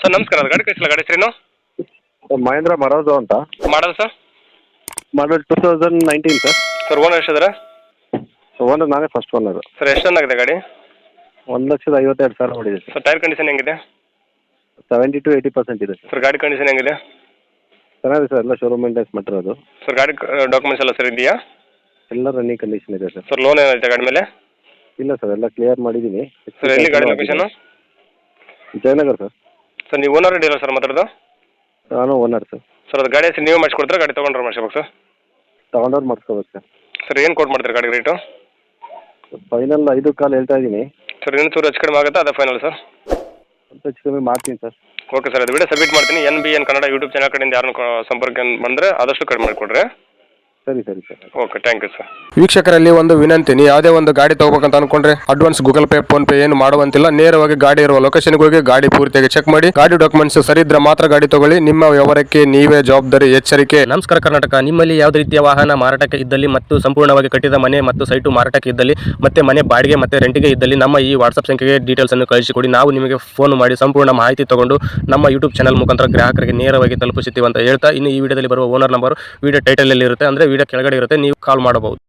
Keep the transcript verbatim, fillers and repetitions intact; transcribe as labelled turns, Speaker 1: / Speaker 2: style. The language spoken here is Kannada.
Speaker 1: ಸರ್ ನಮಸ್ಕಾರ, ಅದು ಗಾಡಿ ಕಳಿಸಿಲ್ಲ, ಗಾಡಿ ಹೆಸರೇನು?
Speaker 2: ಮಹೇಂದ್ರ ಮರೋಜೋ ಅಂತ.
Speaker 1: Model sir?
Speaker 2: Model two thousand nineteen sir.
Speaker 1: Sir owner ಎಷ್ಟಿದ್ದಾರೆ?
Speaker 2: ಓನರ್ ನಾನೇ ಫಸ್ಟ್ ಓನರು.
Speaker 1: ಸರ್ ಎಷ್ಟು ರನ್ ಆಗಿದೆ ಗಾಡಿ?
Speaker 2: ಒಂದು ಲಕ್ಷದ ಐವತ್ತೆರಡು ಸಾವಿರ ಹೊಡಿದೆ ಸರ್.
Speaker 1: ಸರ್ ಟೈರ್ ಕಂಡೀಷನ್ ಹೆಂಗಿದೆ?
Speaker 2: ಸೆವೆಂಟಿ ಟು ಏಯ್ಟಿ ಪರ್ಸೆಂಟ್ ಇದೆ ಸರ್.
Speaker 1: ಸರ್ ಗಾಡಿ ಕಂಡೀಷನ್ ಹೆಂಗಿದೆ?
Speaker 2: ಚೆನ್ನಾಗಿದೆ ಸರ್, ಎಲ್ಲ ಶೋರೂಮ್ ಮೇಂಟೆನ್ಸ್ ಮಾಡಿರೋದು.
Speaker 1: ಸರ್ ಗಾಡಿ ಡಾಕ್ಯುಮೆಂಟ್ಸ್ ಎಲ್ಲ ಸರ್ ಇದೆಯಾ?
Speaker 2: ಎಲ್ಲ ರನ್ನಿಂಗ್ ಕಂಡೀಷನ್ ಇದೆ ಸರ್.
Speaker 1: ಸರ್ ಲೋನ್ ಏನಾಯ್ತು ಗಾಡಿ ಮೇಲೆ?
Speaker 2: ಇಲ್ಲ ಸರ್, ಎಲ್ಲ ಕ್ಲಿಯರ್ ಮಾಡಿದ್ದೀನಿ.
Speaker 1: ಸರ್ ಎಲ್ಲಿ ಗಾಡಿ ಲೊಕೇಶನ್?
Speaker 2: ಜಯನಗರ್ ಸರ್.
Speaker 1: ಸರ್ ನೀವು ಓನರ್ ಡೀಲರ್ ಸರ್ ಮಾತಾಡೋದು?
Speaker 2: ನಾನು ಓನರ್ ಸರ್.
Speaker 1: ಸರ್ ಅದು ಗಾಡಿ ಹೆಸರು ನೀವು ಮಾಡಿಸ್ಕೊಡ್ತಾರೆ, ಗಾಡಿ ತೊಗೊಂಡ್ರೆ ಮಾಡಿಸ್ಬೇಕು ಸರ್?
Speaker 2: ತಗೊಂಡವ್ರು ಮಾಡಿಸ್ಕೋಬೇಕು ಸರ್.
Speaker 1: ಸರ್ ಏನು ಕೊಟ್ಟು ಮಾಡ್ತೀರಿ ಗಾಡಿ ರೇಟು?
Speaker 2: ಫೈನಲ್ ಐದು ಕಾಲ್ ಹೇಳ್ತಾ ಇದ್ದೀನಿ.
Speaker 1: ಸರ್ ಇನ್ನೂ ಚೂರು ಹೆಚ್ಚು ಕಡಿಮೆ ಆಗುತ್ತಾ, ಅದೇ ಫೈನಲ್ ಸರ್?
Speaker 2: ಸ್ವಲ್ಪ ಹೆಚ್ಚು ಕಮ್ಮಿ ಮಾಡ್ತೀನಿ ಸರ್.
Speaker 1: ಓಕೆ ಸರ್, ಅದು ವಿಡಿಯೋ ಸಬ್ಮಿಟ್ ಮಾಡ್ತೀನಿ. N B N Kannada YouTube channel ಕಡೆಯಿಂದ ಯಾರನ್ನು ಸಂಪರ್ಕ ಬಂದರೆ ಆದಷ್ಟು ಕಡಿಮೆ ಮಾಡಿಕೊಡ್ರಿ.
Speaker 2: ಸರಿ ಸರಿ sir.
Speaker 1: Okay, thank you sir.
Speaker 3: ವೀಕ್ಷಕರಲ್ಲಿ ಒಂದು ವಿನಂತಿ, ನೀವು ಯಾವುದೇ ಒಂದು ಗಾಡಿ ತಗೋಬೇಕಂತ ಅನ್ಕೊಂಡ್ರೆ advance Google Pay PhonePe ಏನು ಮಾಡುವಂತಿಲ್ಲ. ನೇರವಾಗಿ ಗಾಡಿ ಇರುವ ಲೊಕೇಶನ್ಗೆ ಹೋಗಿ ಗಾಡಿ ಪೂರ್ತಿಯಾಗಿ ಚೆಕ್ ಮಾಡಿ, ಗಾಡಿ ಡಾಕ್ಯುಮೆಂಟ್ಸ್ ಸರಿ ಇದ್ರೆ ಮಾತ್ರ ಗಾಡಿ ತಗೊಳ್ಳಿ. ನಿಮ್ಮ ವ್ಯವಹಾರಕ್ಕೆ ನೀವೇ ಜವಾಬ್ದಾರಿ. ಎಚ್ಚರಿಕೆ.
Speaker 4: ನಮಸ್ಕಾರ ಕರ್ನಾಟಕ. ನಿಮ್ಮಲ್ಲಿ ಯಾವುದೇ ರೀತಿಯ ವಾಹನ ಮಾರಾಟಕ್ಕೆ ಇದ್ದಲ್ಲಿ ಮತ್ತು ಸಂಪೂರ್ಣವಾಗಿ ಕಟ್ಟಿದ ಮನೆ ಮತ್ತು ಸೈಟು ಮಾರಾಟಕ್ಕೆ ಇದ್ದಲ್ಲಿ ಮತ್ತೆ ಮನೆ ಬಾಡಿಗೆ ಮತ್ತೆ ರೆಂಟಿಗೆ ಇದ್ದಲ್ಲಿ ನಮ್ಮ ಈ ವಾಟ್ಸ್ಆಪ್ ಸಂಖ್ಯೆಗೆ ಡೀಟೇಲ್ಸ್ ಅನ್ನು ಕಳಿಸಿಕೊಡಿ. ನಾವು ನಿಮಗೆ ಫೋನ್ ಮಾಡಿ ಸಂಪೂರ್ಣ ಮಾಹಿತಿ ತಗೊಂಡು ನಮ್ಮ ಯೂಟ್ಯೂಬ್ ಚಾನಲ್ ಮುಖಾಂತರ ಗ್ರಾಹಕರಿಗೆ ನೇರವಾಗಿ ತಲುಪಿಸುತ್ತೀವಿ ಅಂತ ಹೇಳ್ತಾ, ಇನ್ನು ಈ ವಿಡಿಯೋದಲ್ಲಿ ಬರುವ ಓನರ್ ನಂಬರ್ ವಿಡಿಯೋ ಟೈಟಲ್ ಅಲ್ಲಿ ಇರುತ್ತೆ, ಅಂದ್ರೆ ವಿಡಿಯೋ ಕೆಳಗಡೆ ಇರುತ್ತೆ, ನೀವು ಕಾಲ್ ಮಾಡಬಹುದು.